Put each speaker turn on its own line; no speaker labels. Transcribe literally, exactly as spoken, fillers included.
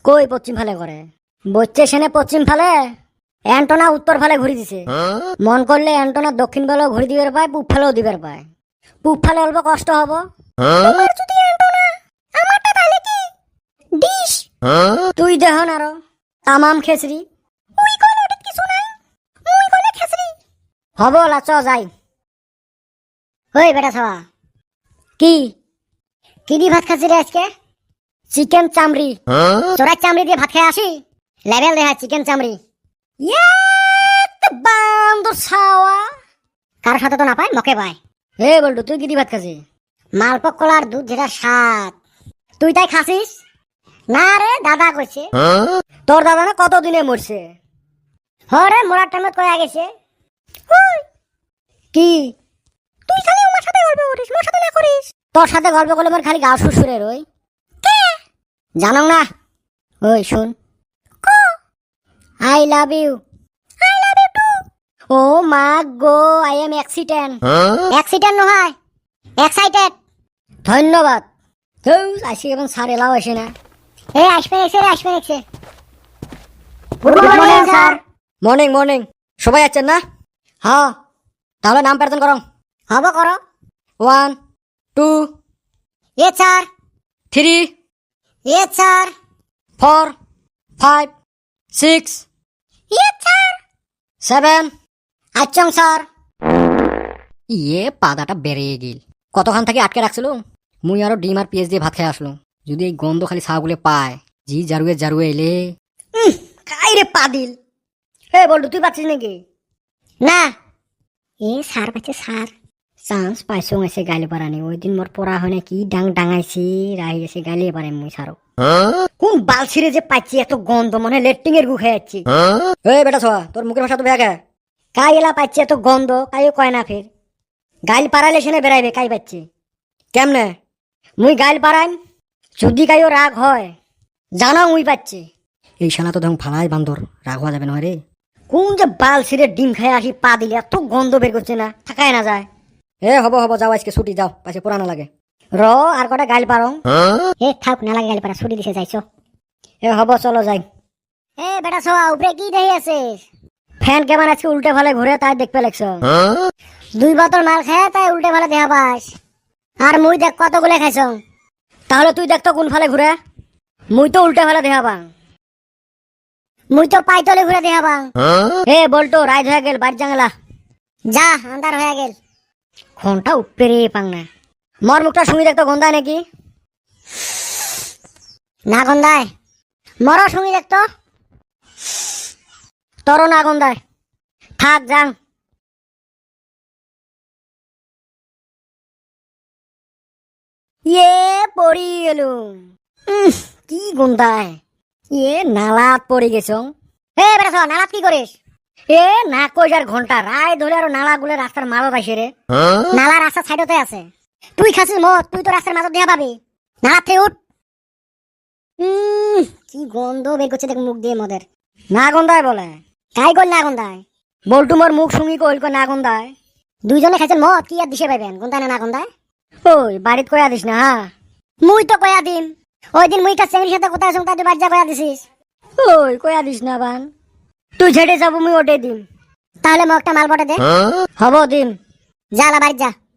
কই পশ্চিম ফালে করে বচ্চে সেনে পশ্চিম ফালে অ্যান্টনা উত্তর ফালে ঘুরি দিছে। মন করলে অ্যান্টনা দক্ষিণ ফালেও ঘুরি দিবার পায়, পূব ফালেও দিবার পায়। পূব ফালে অল্প কষ্ট হবো। তোমার যদি অ্যান্টনা, আমারটা তাহলে কি ডিশ। তুই দেহ নারো তামাম খেসরি। উই কইলে ওটা কিছু নাই, মুই কইলে খেসরি হব। লাচ যাই। ওই বেটা ছাওয়া, কি কি দি ভাত খাচ্ছি রে আজকে? চিকেন চামড়ি। চোরাই চামড়ি দিয়ে ভাত খেয়ে আসি, লেভেল দেখা চিকেন চামড়ি। বান্দর ছাওয়া, কার সাথে তো না পায় মকে পায়। হে বলটু, তুই কি দি ভাত খাচ্ছি? মালপক কলার দুধ যেটা স্বাদ, তুই তাই খাসিস না রে? দাদা কইছে। তোর দাদা না কত দিনে মরছে? হরে মরার টাইমে কয়ে গেছে। কি তুই খালি আমার সাথে গল্প করিস, মোর সাথে না করিস? তোর সাথে গল্প করলে আমার খালি গা শুশুরে রই। কে জানো না? ওই শুন, I love you. I love you too. ও মা গো, আই এম অ্যাক্সিডেন্ট। অ্যাক্সিডেন্ট নহয়, এক্সাইটেড। ধন্যবাদ। আসি এবং স্যার এলাও আসে না। এই আসবে এসে রে, আসবে এসে। Good morning sir. Morning morning. সবাই আছেন না? হ্যাঁ, তাহলে নাম প্রেজেন্ট করো। হব করো। ওয়ান টু এ স্যার, থ্রি এ স্যার, ফোর ফাইভ সিক্স এ স্যার, সেভেন আচ্ছং স্যার। ইয়ে পাদাটা বেরিয়ে গেল। কতক্ষণ থেকে আটকে রাখছিল? মুই আরো ডিম আর পেঁয়াজ দিয়ে ভাত খেয়ে আসলো। যদি এই গন্ধ খালি ছাগুলে পায়, জি জারুয়ে জারুয়ে এলে কাই রে পাদিল। হে বলটু, তুই পাচ্ছিস নাকি? না। এ স্যার পাচ্ছে স্যার। চান্স পাইছো এসে গাইলে পারানি। ওই দিন মোর পড়া হয় না, কি ডাং ডাঙাইছি, রাহি এসে গাইলে পারে মুই সারো। কোন বালছিরে যে পাচ্ছি এত গন্ধ, মনে লেট্রিং এর গু খেয়ে যাচ্ছি। এই বেটা ছোয়া, তোর মুখের ভাষা তো বেগা। কাই এলা পাচ্ছি এত গন্ধ, কাইও কয় না ফের। গাইল পাড়াইলে সেনে বেড়াইবে, কাই পাচ্ছি কেমনে? মুই গাইল পাড়াইম, যদি কাইও রাগ হয় জানা মুই পাচ্ছি। এই শালা তো ধরুন ফালাই বান্দর, রাগ হওয়া যাবে না রে। কোন যে বাল ছিঁড়ে ডিম খাই আসি পা দিলে এত গন্ধ বের করছে না, থাকায় না যায়। এ হব হব, যাও আজকে ছুটি, যাও পাশে পুরানো লাগে। র আর কটা গাইল পারো। এ থাক না লাগে, গাইল পারা ছুটি দিছে, যাইছো। এ হব, চলো যাই। এ বেটা ছোয়া, উপরে কি দেখে আছিস? ফ্যান কেমন আজকে উল্টে ভালে ঘুরে, তাই দেখতে লাগছ। দুই বোতল মাল খায় তাই উল্টে ভালে দেখা পাস। আর মুই দেখ কতগুলো খাইছ। তাহলে তুই দেখ তো কোন ফালে ঘুরে। মুই তো উল্টে ভালে দেখা পাং। মুই তো পাইতলে ঘুরে দেখা পাং। এ বলতো, রাইত হয়ে গেল, বাড়ি জাঙ্গলা যা, আন্ধার হয়ে গেল। ঘন্টা উপরে পাং না। মর মুখটা শুনি দেখতো গন্ধায় নাকি না? গন্ধায়। মর শুনি দেখতো, তোরও না গন্ধায়। থাক যাং। ইয়ে পড়ি গেলুম। কি গন্ধায়। ইয়ে নালাত পড়ে গেছ। এ বেটা নালাত কি করিস? এ না কই যার ঘন্টা রায় ধরে আর নালা গুলো রাস্তার মাঝত আসে রে। নালা রাস্তার সাইডতে আছে। তুই খাসিস মদ, তুই তো রাস্তার মাঝত দেখা পাবি। নালা থেকে উঠ। কি গন্ধ বের করছে দেখ মুখ দিয়ে মদের। না গন্ধায় বলে, কাই কল না গন্ধায়? বলটু মোর মুখ শুঙি কইল না গন্ধায়। দুইজনে খাইছেন মদ, কি আর দিশে পাইবেন গন্ধায় না না গন্ধায়? ওই বাড়িত কয়া দিস না। হ্যাঁ মুই তো কয়া দিম। ওই দিন মুই কাছে চেংড়ির সাথে কোথায় শুনতা তুই বাড়ি যা কয়া দিছিস। ওই কয়া দিস না বান, তুই ঝেড়ে যাবো মুই ওটে দিম। তাহলে মোক একটা মাল পটে দে। হব দিম, যা বাড়ি যা।